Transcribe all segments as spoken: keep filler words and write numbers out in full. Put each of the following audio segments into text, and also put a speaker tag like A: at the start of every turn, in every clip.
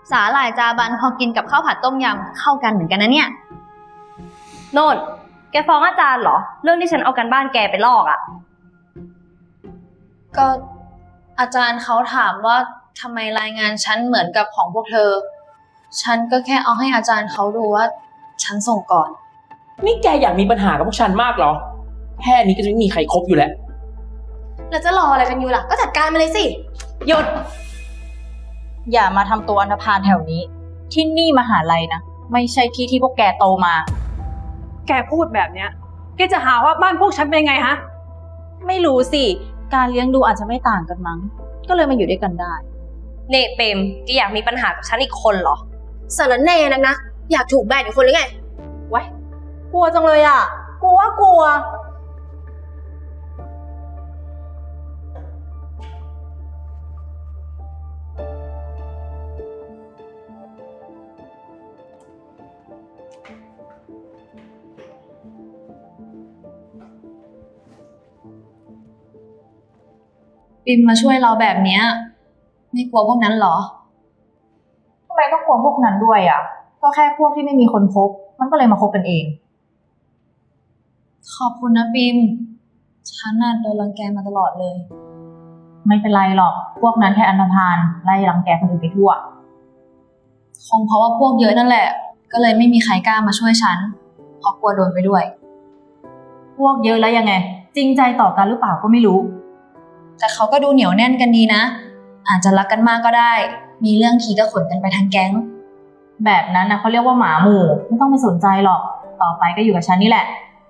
A: สาหร่ายจาบันพอกินกับข้าวผัดต้มยำเข้ากันเหมือนกันนะเนี่ย
B: โน่นแกฟ้องอาจารย์เหรอเรื่องที่ฉันเอากันบ้านแกไปลอกอะ
A: ก็อาจารย์เขาถามว่าทำไมรายงานฉันเหมือนกับของพวกเธอฉันก็แค่เอาให้อาจารย์เขาดูว่าฉันส่งก่อน
C: นี่แกอยากมีปัญหากับพวกฉันมากเหรอแค่นี้ก็จะไม่มีใครคบอยู่แล้ว
D: แล้วจะรออะไรกันอยู่ล่ะก็จัดการมาเลยสิ
E: หยุดอย่ามาทำตัวอันธพาลแถวนี้ที่นี่มหาลัยนะไม่ใช่ที่ที่พวกแกโตมา
F: แกพูดแบบเนี้ยแกจะหาว่าบ้านพวกฉันเป็นไงฮะ
E: ไม่รู้สิการเลี้ยงดูอาจจะไม่ต่างกันมั้งก็เลยมาอยู่ด้วยกันได้
B: เน่เปมแกอยากมีปัญหากับฉันอีกคนเหรอ
D: สารแน่นักนะอยากถูกแบนอีกคนหรือไง
E: ไว้กลัวจังเลยอ่ะกลัวกลัว
A: ปิมมาช่วยเราแบบเนี้ยไม่กลัวพวกนั้นหรอ
E: ทำไมต้องกลัวพวกนั้นด้วยอ่ะก็แค่พวกที่ไม่มีคนคบมันก็เลยมาคบกันเอง
A: ขอบคุณนะปิมฉันน่ะโดนรังแกมาตลอดเลย
E: ไม่เป็นไรหรอกพวกนั้นแค่อันธพาลไล่รังแกคนอื่นไปทั่ว
A: คงเพราะว่าพวกเยอะนั่นแหละก็เลยไม่มีใครกล้ามาช่วยฉันเพราะกลัวโดนไปด้วย
E: พวกเยอะแล้วยังไงจริงใจต่อกันหรือเปล่าก็ไม่รู้
A: แต่เขาก็ดูเหนียวแน่นกันดีนะอาจจะรักกันมากก็ได้มีเรื่องทีก็ขนกันไปทั้งแก๊ง
E: แบบนั้นนะเขาเรียกว่าหมาหมู่ไม่ต้องไปสนใจหรอกต่อไปก็อยู่กับฉันนี่แหละ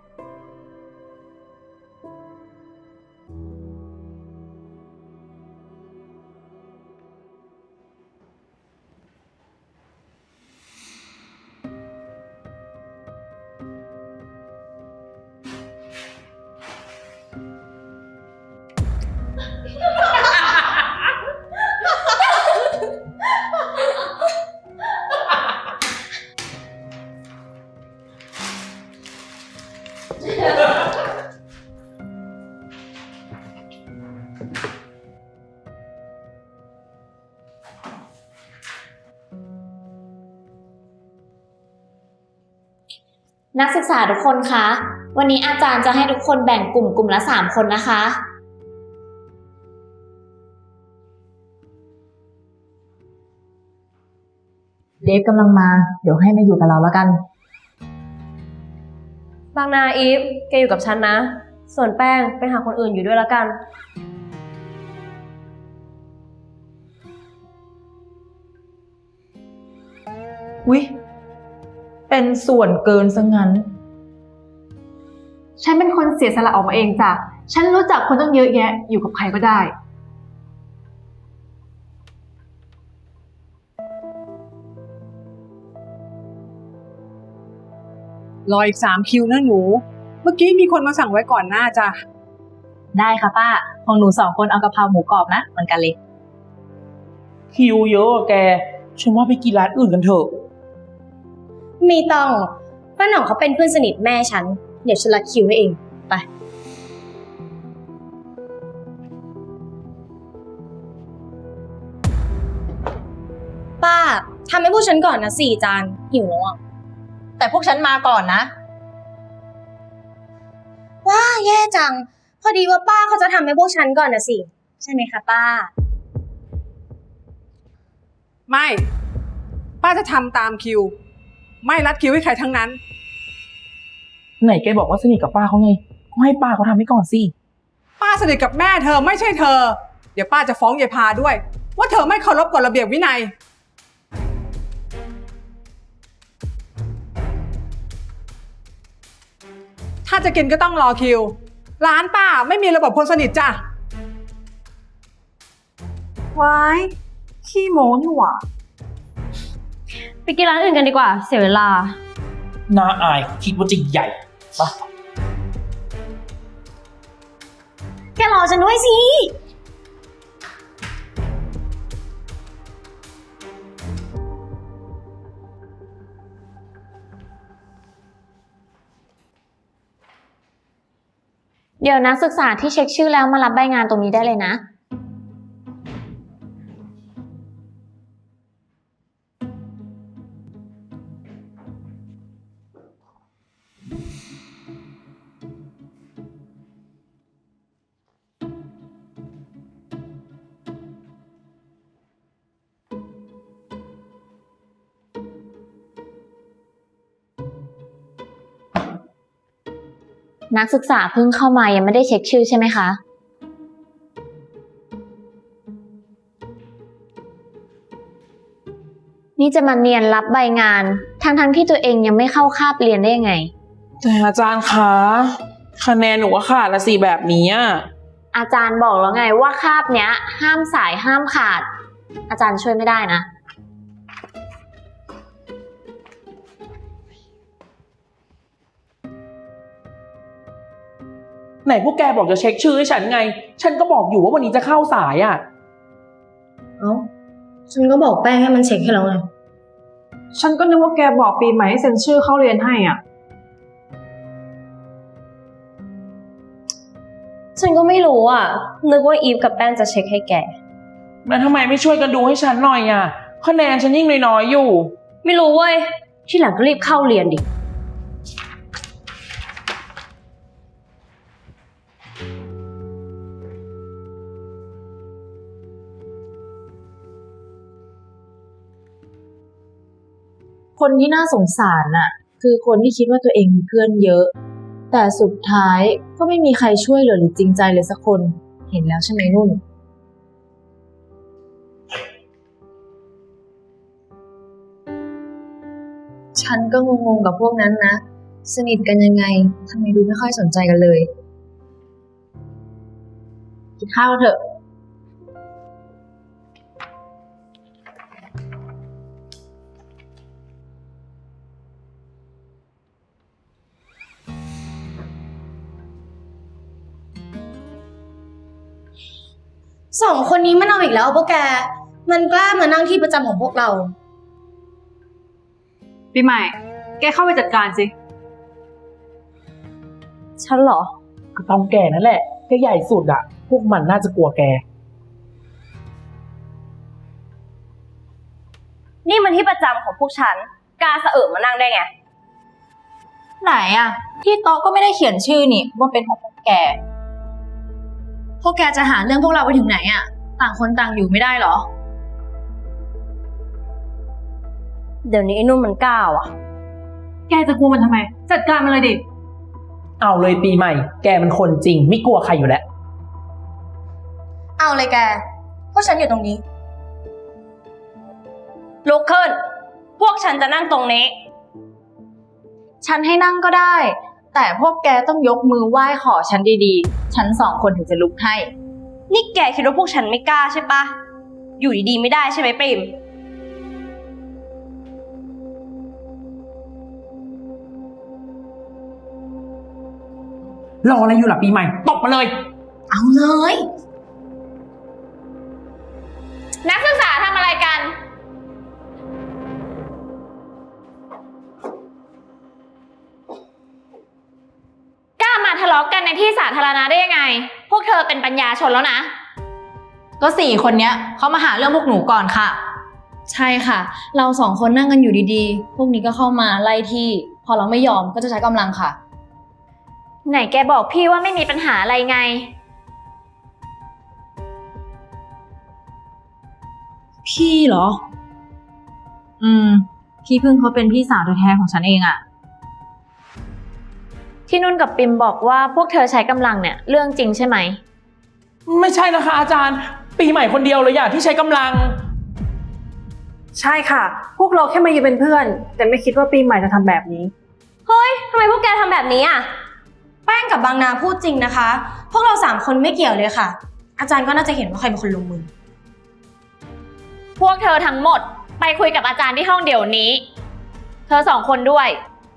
G: นักศึกษาทุกคนคะวันนี้อาจารย์จะให้ทุกคนแบ่งกลุ่มกลุ่มละสามคนนะคะ
E: เดฟกำลังมาเดี๋ยวให้มาอยู่กับเราแล้วกัน
B: บางนาอีฟแกอยู่กับฉันนะส่วนแป้งไปหาคนอื่นอยู่ด้วยแล้วกัน
E: อุ๊ยเป็นส่วนเกินซะงั้น
F: ฉันเป็นคนเสียสละออกมาเองจ้ะฉันรู้จักคนต้องเยอะแยะอยู่กับใครก็ได้
H: รออีกสามคิวนะหนูเมื่อกี้มีคนมาสั่งไว้ก่อนหน้าจ้ะ
E: ได้ค่ะป้าของหนูสองคนเอากะเพราหมูกรอบนะเหมือนกันเลย
C: คิวเยอะแกฉันว่าไปกินร้านอื่นกันเถอะ
D: มีต้องป้าหน่องเขาเป็นเพื่อนสนิทแม่ฉันเดี๋ยวฉันรัดคิวให้เองไปป้าทำให้พวกฉันก่อนนะสี่จานหิวแล้วอ่ะ
E: แต่พวกฉันมาก่อนนะ
D: ว้าแย่จังพอดีว่าป้าเขาจะทำให้พวกฉันก่อนนะสิใช่ไหมคะป้า
H: ไม่ป้าจะทำตามคิวไม่รัดคิวให้ใครทั้งนั้น
C: ไหนแกบอกว่าสนิทกับป้าเขาไงก็ให้ป้าเขาทำให้ก่อนสิ
H: ป้าสนิทกับแม่เธอไม่ใช่เธอเดี๋ยวป้าจะฟ้องยายพาด้วยว่าเธอไม่เคารพกฎระเบียบวินัยถ้าจะกินก็ต้องรอคิวร้านป้าไม่มีระบบคนสนิทจ้ะ
F: ว้ายขี้โม้นี่หว่า
B: ไปกินร้านอื่นกันดีกว่าเสียเวลา
C: น่าอายคิดว่าจะใหญ่ปะ
D: แกรอฉันด้วยสิ
G: เดี๋ยวนักศึกษาที่เช็คชื่อแล้วมารับใบงานตรงนี้ได้เลยนะนักศึกษาเพิ่งเข้ามายังไม่ได้เช็คชื่อใช่ไหมคะ นี่จะมาเนียนรับใบงาน ทั้งๆที่ตัวเองยังไม่เข้าคาบเรียนได้ยังไง
C: แต่อาจารย์คะคะแนนหนูก็ขาดละสิแบบนี้อะ
G: อาจารย์บอกแล้วไงว่าคาบเนี้ย ห้ามสายห้ามขาด อาจารย์ช่วยไม่ได้นะ
C: ไหนพวกแกบอกจะเช็คชื่อให้ฉันไง ฉันก็บอกอยู่ว่าวันนี้จะเข้าสายอะ
D: เอ้า ฉันก็บอกแป้งให้มันเช็คให้แล้วไง
F: ฉันก็นึกว่าแกบอกปีใหม่ให้เซ็นชื่อเข้าเรียนให้อ่ะ
B: ฉันก็ไม่รู้อ่ะ นึกว่าอีฟกับแป้งจะเช็คให้แก
C: แล้วทำไมไม่ช่วยกันดูให้ฉันหน่อยอะคะแนนฉันยิ่งน้อยๆอยู่
B: ไม่รู้เว้ย ที่หลังก็รีบเข้าเรียนดิ
E: คนที่น่าสงสารน่ะ คือคนที่คิดว่าตัวเองมีเพื่อนเยอะ แต่สุดท้ายก็ไม่มีใครช่วยเหลือหรือจริงใจเลยสักคน เห็นแล้วใช่ไหมนุ่น
A: ฉันก็งงๆกับพวกนั้นนะ สนิทกันยังไงทำไมดูไม่ค่อยสนใจกันเลย
E: กินข้าวเถอะ
D: สองคนนี้มันเอาอีกแล้วพวกแก มันกล้ามานั่งที่ประจำของพวกเรา
F: ปีใหม่ แกเข้าไปจัดการสิ
B: ฉันเหรอ
C: ก็ต้องแกนั่นแหละแกใหญ่สุดอะพวกมันน่าจะกลัวแก
B: นี่มันที่ประจำของพวกฉัน กล้าสะเอิบมานั่งได้ไง
E: ไหนอะที่โต๊ะก็ไม่ได้เขียนชื่อนี่ว่าเป็นของพวกแก
A: พวกแกจะหาเรื่องพวกเราไปถึงไหนอะต่างคนต่างอยู่ไม่ได้เหรอ
B: เดี๋ยวนี้ไอ้นุ่มมันกล้าว่ะ
F: แกจะกลัวมันทำไม จัดการมันเลยดิ
C: เอาเลยปีใหม่ แกมันคนจริงไม่กลัวใครอยู่แล้ว
D: เอาเลยแก พวกฉันอยู่ตรงนี้
B: ลุกขึ้น พวกฉันจะนั่งตรงนี้
E: ฉันให้นั่งก็ได้ แต่พวกแกต้องยกมือไหว้ขอฉันดีๆ ฉันสองคนถึงจะลุกให้
B: นี่แกคิดว่าพวกฉันไม่กล้าใช่ปะ อยู่ดีๆไม่ได้ใช่ไหมปริม
C: รออะไรอยู่ล่ะปีใหม่ตบมาเลย
D: เอาเลย
G: นักศึกษาทำอะไรกัน กล้ามาทะเลาะกันในที่สาธารณะได้ยังไง พวกเธอเป็นปัญญาชนแล้วนะ
E: ก็สี่คนเนี้ยเขามาหาเรื่องพวกหนูก่อนค่ะ
A: ใช่ค่ะ เราสองคนนั่งกันอยู่ดีๆ พวกนี้ก็เข้ามาไล่ที่ พอเราไม่ยอมก็จะใช้กำลังค่ะ
G: ไหนแกบอกพี่ว่าไม่มีปัญหาอะไรไง
A: พี่เหรอ
E: อืม พี่พึ่งเขาเป็นพี่สาวแท้ๆของฉันเองอะ
G: ที่นุ่นกับปิมบอกว่าพวกเธอใช้กำลังเนี่ยเรื่องจริงใช่ไหม
C: ไม่ใช่นะคะอาจารย์ ปีใหม่คนเดียวเลยอะที่ใช้กำลัง
F: ใช่ค่ะ พวกเราแค่มายืนเป็นเพื่อน แต่ไม่คิดว่าปีใหม่จะทำแบบนี้
B: เฮ้ย ทำไมพวกแกทำแบบนี้อ่ะ
D: แป้งกับบางนาพูดจริงนะคะ พวกเราสามคนไม่เกี่ยวเลยค่ะ อาจารย์ก็น่าจะเห็นว่าใครเป็นคนลงมือ
G: พวกเธอทั้งหมดไปคุยกับอาจารย์ที่ห้องเดี๋ยวนี้ เธอสองคนด้วย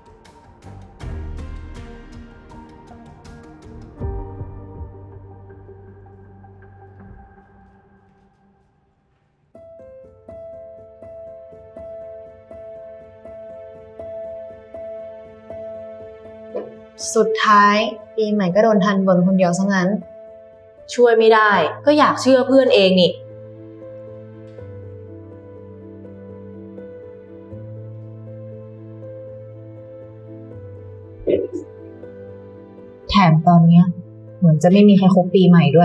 A: สุดท้ายปีใหม่ก็โดนทันบนคนเดียวซะงั้น
E: ช่วยไม่ได้ ก็อยากเชื่อเพื่อนเองนี่ แถมตอนเนี้ย เหมือนจะไม่มีใครคบปีใหม่ด้วย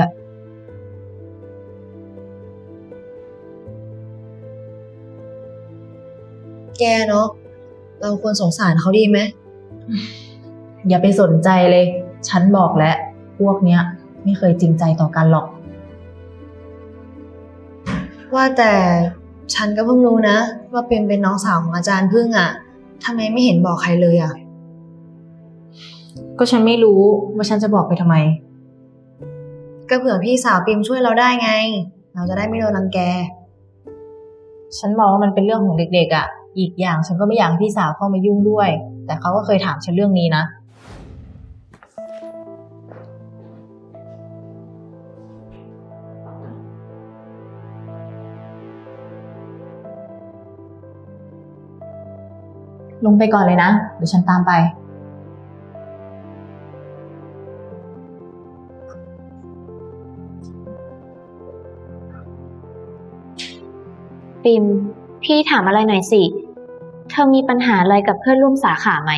A: แกเนาะ เราควรสงสารเขาดีไหม
E: อย่าไปสนใจเลยฉันบอกแล้วพวกเนี้ยไม่เคยจริงใจต่อกันหรอก
A: ว่าแต่ฉันก็เพิ่งรู้นะว่าปิมเป็นน้องสาวของอาจารย์พึ่งอะทำไมไม่เห็นบอกใครเลยอะ
E: ก็ฉันไม่รู้ว่าฉันจะบอกไปทำไม
A: ก็เผื่อพี่สาวปิมช่วยเราได้ไง เราจะได้ไม่โดนรังแก
E: ฉันมองว่ามันเป็นเรื่องของเด็กๆอ่ะ อีกอย่างฉันก็ไม่อยากให้พี่สาวเข้ามายุ่งด้วย แต่เขาก็เคยถามฉันเรื่องนี้นะ ลงไปก่อนเลยนะ เดี๋ยวฉันตามไป
G: ปิม พี่ถามอะไรหน่อยสิ เธอมีปัญหาอะไรกับเพื่อนร่วมสาขาไหม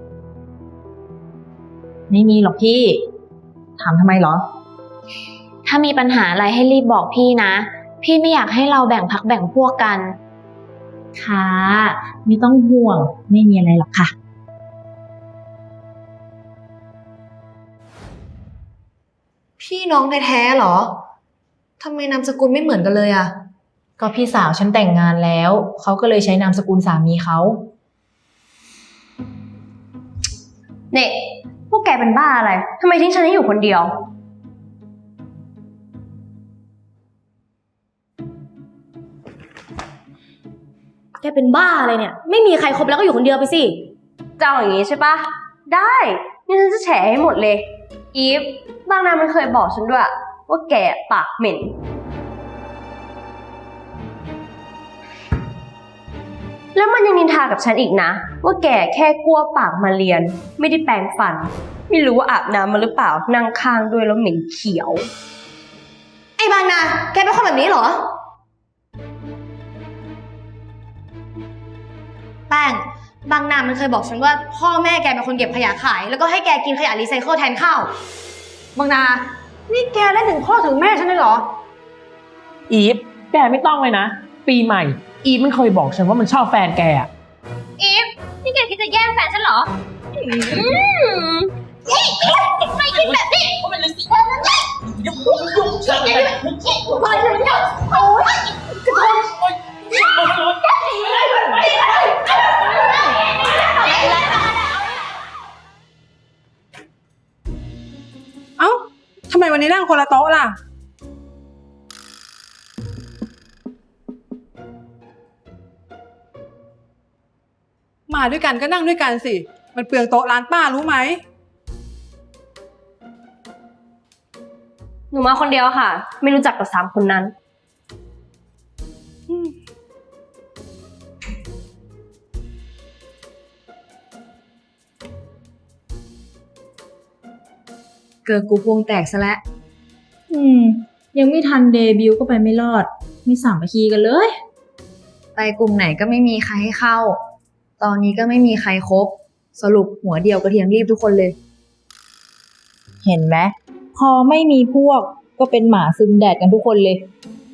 E: ไม่มีหรอกพี่ ถามทำไมเหรอ
G: ถ้ามีปัญหาอะไรให้รีบบอกพี่นะ พี่ไม่อยากให้เราแบ่งพักแบ่งพวกกัน
E: ค่ะ ไม่ต้องห่วง ไม่มีอะไรหรอกค่ะ
A: พี่น้องแท้ๆเหรอทำไมนามสกุลไม่เหมือนกันเลยอะ
E: ก็พี่สาวฉันแต่งงานแล้ว เขาก็เลยใช้นามสกุลสามีเขา
B: เนี่ยพวกแกเป็นบ้าอะไร ทำไมทิ้งฉันให้อยู่คนเดียว
D: แกเป็นบ้าอะไรเนี่ย ไม่มีใครคบแล้วก็อยู่คนเดียวไปสิ
B: เจ้าอย่างนี้ใช่ปะ ได้นี่ฉันจะแฉให้หมดเลย อีฟ บางนามันเคยบอกฉันด้วย ว่าแกปากเหม็น แล้วมันยังนินทากับฉันอีกนะ ว่าแกแค่กลัวปากมาเรียน ไม่ได้แปรงฟัน ไม่รู้ว่าอาบน้ำมาหรือเปล่า นั่งข้างด้วยแล้วเหม็นเขียว
D: ไอ้บางนา แกเป็นคนแบบนี้เหรอ แป้ง บางนามันเคยบอกฉันว่าพ่อแม่แกเป็นคนเก็บขยะขาย แล้วก็ให้แกกินขยะรีไซเคิลแทนข้าว
F: บางนา นี่แกเล่นถึงพ่อถึงแม่ฉันเลยเหรอ
C: อีฟ แกไม่ต้องเลยนะ ปีใหม่ อีฟมันเคยบอกฉันว่ามันชอบแฟนแกอะ
G: อีฟ นี่แกคิดจะแย่งแฟนฉันเหรอ
H: เอ้าทำไมวันนี้นั่งคนละโต๊ะล่ะ มาด้วยกันก็นั่งด้วยกันสิ มันเปลืองโต๊ะร้านป้ารู้ไหม
B: หนูมาคนเดียวค่ะ ไม่รู้จักกับสามคนนั้น
A: เกิดกูพวงแตกซะแล้ว
E: อืม ยังไม่ทันเดบิวต์ก็ไปไม่รอด ไม่สามัคคีกันเลย
A: ไปกลุ่มไหนก็ไม่มีใครให้เข้า ตอนนี้ก็ไม่มีใครครบ สรุปหัวเดียวกระเทียมรีบทุกคนเลย
E: เห็นไหม พอไม่มีพวกก็เป็นหมาซึมแดดกันทุกคนเลย